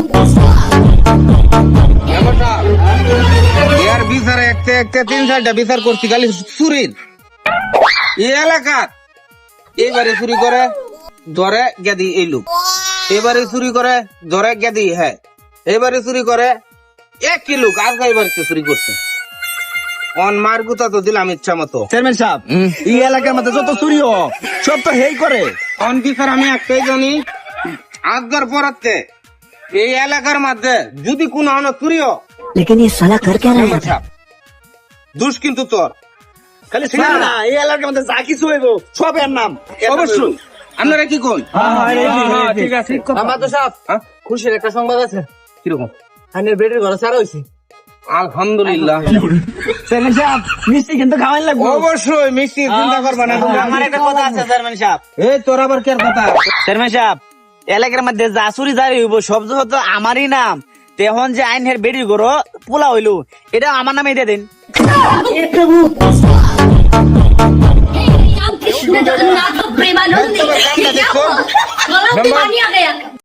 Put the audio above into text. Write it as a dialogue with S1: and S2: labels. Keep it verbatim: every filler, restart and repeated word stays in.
S1: ইয়ার বিচারে একটা একটা তিন চারটা বিচার করছি খালি চুরির এই এলাকার। এবারে চুরি করে ধরে গেদি এই লোক, এবারে চুরি করে ধরে গেদি হ্যাঁ, এবারে চুরি করে এক কি লোক আর এবারে চুরি করছে। অন মার গুতা তো দিলাম ইচ্ছা মতো।
S2: চেয়ারম্যান সাহেব, এই এলাকার মধ্যে যত চুরি হ সব তো হেই করে।
S1: অন বিচার আমি একটাই জানি, আজকের পরাতে এই এলাকার মধ্যে যদি কোনো অন চুরি হ,
S3: लेकिन ये साला कर क्या रहा है?
S1: দুষ কিন্তু তোর।
S2: খালি শুনে না, এই এলাকার মধ্যে যা কিছু হইব সব এর নাম।
S1: অবশ্যই আপনারা কি কোন?
S2: ঠিক আছে।
S4: আমাদের সাহেব খুশির একটা সংবাদ আছে।
S1: কিরকম?
S4: আইনের বেডের ঘরে সারা হয়েছে।
S1: আলহামদুলিল্লাহ।
S2: চেয়ারম্যান সাহেব, মিষ্টি কিন্তু খাওয়াই লাগবে।
S1: অবশ্যই মিষ্টি চিন্তা করবা না।
S2: আমার একটা কথা আছে চেয়ারম্যান সাহেব।
S1: এই তোর আবার কে কথা?
S2: চেয়ারম্যান সাহেব, এলাকার মধ্যে যা চুরি জারি হইব সব তো আমারই নাম। তেহন যে আইন হের বেডির ঘর পোলা হইলো, এটা আমার নামে দিয়ে দিন।
S3: हे प्रभु कृष्ण जगन्नाथ प्रेमानंद, गला में पानी आ गया।